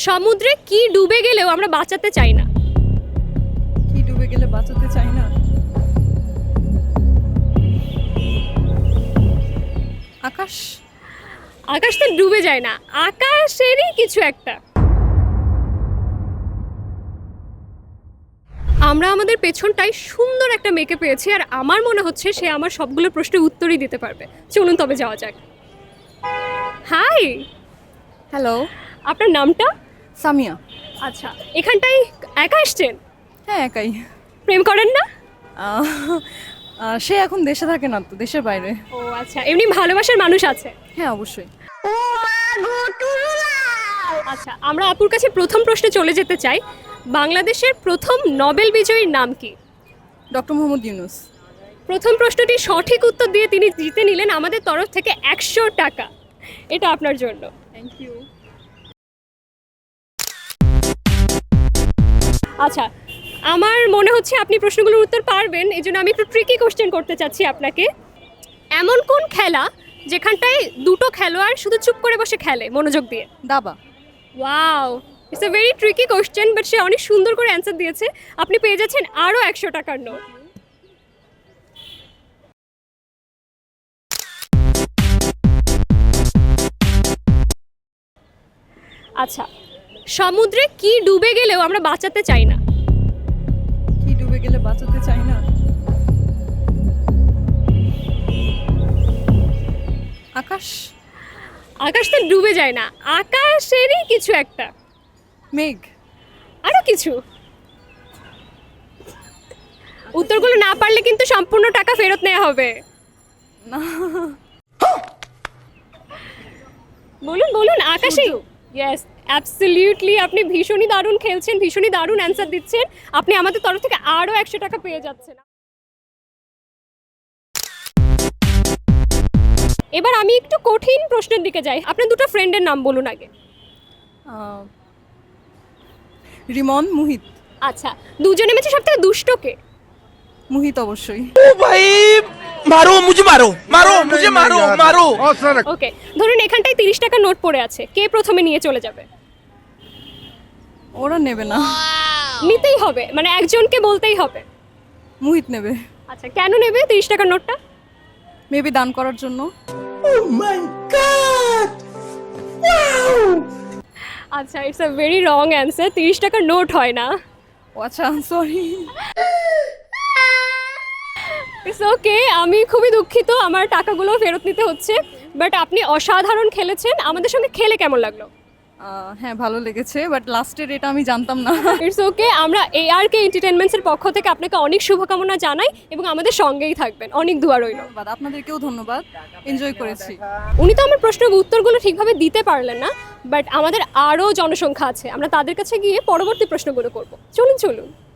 সমুদ্রে কি ডুবে গেলেও আমরা বাঁচাতে চাই না? কি ডুবে গেলে বাঁচাতে চাই না? আকাশ। আকাশ তো ডুবে যায় না, আকাশেরই কিছু একটা। আমরা আমাদের পেছনটায় সুন্দর একটা মেয়েকে পেয়েছি, আর আমার মনে হচ্ছে সে আমার সবগুলো প্রশ্নের উত্তরই দিতে পারবে। চলুন তবে যাওয়া যাক। Hi, hello. আপনার নামটা? সামিয়া। আচ্ছা, এখানটায় একা আসছেন? হ্যাঁ, একাই। প্রেম করেন না? আহ, সে এখন দেশে থাকে না, তো দেশের বাইরে। ও আচ্ছা, এমনি ভালোবাসার মানুষ আছে? হ্যাঁ, অবশ্যই। আচ্ছা, আমরা আপুর কাছে প্রথম প্রশ্নে চলে যেতে চাই। বাংলাদেশের প্রথম নোবেল বিজয়ীর নাম কি? ডক্টর মোহাম্মদ ইউনুস। প্রথম প্রশ্নটি সঠিক উত্তর দিয়ে তিনি জিতে নিলেন আমাদের তরফ থেকে 100 টাকা। এটা আপনার জন্য। Thank you. আচ্ছা, আমার মনে হচ্ছে আপনি প্রশ্নগুলোর উত্তর পারবেন, এই জন্য আমি একটু ট্রিকি কোশ্চেন করতে চাচ্ছি আপনাকে। এমন কোন খেলা যেখানটায় দুটো খেলোয়াড় শুধু চুপ করে বসে খেলে মনোযোগ দিয়ে? দাবা। Wow, it's a very tricky question, but সে অনেক সুন্দর করে অ্যান্সার দিয়েছে। আপনি পেয়ে যাচ্ছেন আরও 100 টাকার নোট। আচ্ছা, সমুদ্রে কি ডুবে গেলেও আমরা বাঁচাতে চাই না? কি ডুবে গেলে বাঁচাতে চাই না? আকাশ। আকাশ তো ডুবে যায় না, আকাশেরই কিছু একটা। মেঘ। আরো কিছু। উত্তরগুলো না পারলে কিন্তু সম্পূর্ণ টাকা ফেরত নেওয়া হবে। না। বলুন বলুন, আকাশেই। ইয়েস, অ্যাবসলিউটলি, আপনি ভীষণই দারুণ খেলছেন, ভীষণই দারুণ অ্যান্সার দিচ্ছেন। আপনি আমাদের তরফ থেকে আরও 100 টাকা পেয়ে যাচ্ছেন। এবার আমি একটু কঠিন প্রশ্নের দিকে যাই। আপনার দুটো ফ্রেন্ডের নাম বলুন আগে। রিমন, মুহিত। আচ্ছা, দুজনে মেছে সব থেকে দুষ্ট কে? মুহিত অবশ্যই। ओ भाई मारो मुझे मारो मारो मुझे मारो मारो। ওকে, ধরুন এখানটায় 30 টাকা নোট পড়ে আছে, কে প্রথমে নিয়ে চলে যাবে? ওরা নেবে না। নিতেই হবে, মানে একজনকে বলতেই হবে। মুহিত নেবে। আচ্ছা, কেন নেবে 30 টাকার নোটটা? মেবি দান করার জন্য। আচ্ছা, it's a very wrong answer. 30 টাকার নোট হয় না। ও আচ্ছা, সরি। ইটস ওকে, আমি খুবই দুঃখিত, আমার টাকাগুলো ফেরত নিতে হচ্ছে। বাট আপনি অসাধারণ খেলেছেন। আমাদের সঙ্গে খেলে কেমন লাগলো? হ্যাঁ, ভালো লেগেছে, বাট লাস্টের এটা আমি জানতাম না। ইটস ওকে, আমরা ARK এন্টারটেইনমেন্টসের পক্ষ থেকে আপনাকে অনেক শুভকামনা জানাই এবং আমাদের সঙ্গেই থাকবেন। অনেক দোয়া রইল। ধন্যবাদ, আপনাদেরকেও ধন্যবাদ। এনজয় করেছি। উনি তো আমার প্রশ্নের উত্তরগুলো ঠিকভাবে দিতে পারলেন না, বাট আমাদের আরও জনসংখ্যা আছে, আমরা তাদের কাছে গিয়ে পরবর্তী প্রশ্নগুলো করব। চলুন চলুন।